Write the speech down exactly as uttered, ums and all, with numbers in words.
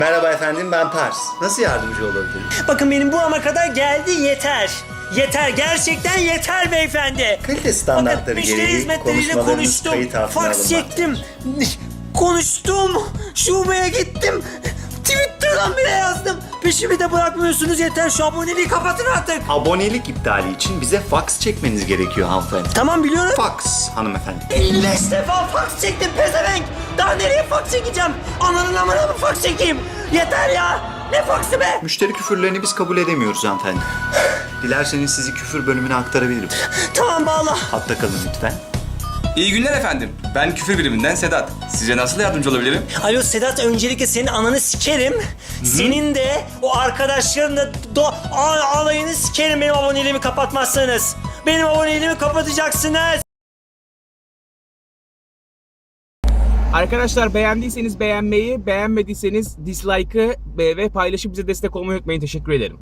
Merhaba efendim, ben Pars. Nasıl yardımcı olabilirim? Bakın benim burama kadar geldi, yeter. Yeter, gerçekten yeter beyefendi. Kalite standartları Bakın müşteri gereği hizmetleriyle konuşmalarınız konuştum. kayıt altına Fax alınmakta. çektim. Konuştum. Şubeye gittim. Twitter'dan bile yazdım. Peşimi de bırakmıyorsunuz, yeter, şu aboneliği kapatın artık. Abonelik iptali için bize fax çekmeniz gerekiyor hanımefendi. Tamam, biliyorum. Fax hanımefendi. elli beş defa fax çektim pezevenk. Daha nereye fax çekeceğim? Ananın amına mı fax çekeyim? Yeter ya. Ne faxı be? Müşteri küfürlerini biz kabul edemiyoruz hanımefendi. Dilerseniz sizi küfür bölümüne aktarabilirim. Tamam, bağla. Hatta kalın lütfen. İyi günler efendim. Ben küfür biriminden Sedat. Size nasıl yardımcı olabilirim? Alo Sedat, öncelikle senin ananı sikerim. Senin de o arkadaşların da do- a- alayını sikerim benim aboneliğimi kapatmazsanız. Benim aboneliğimi kapatacaksınız. Arkadaşlar, beğendiyseniz beğenmeyi, beğenmediyseniz dislike'ı ve paylaşıp bize destek olmayı unutmayın. Teşekkür ederim.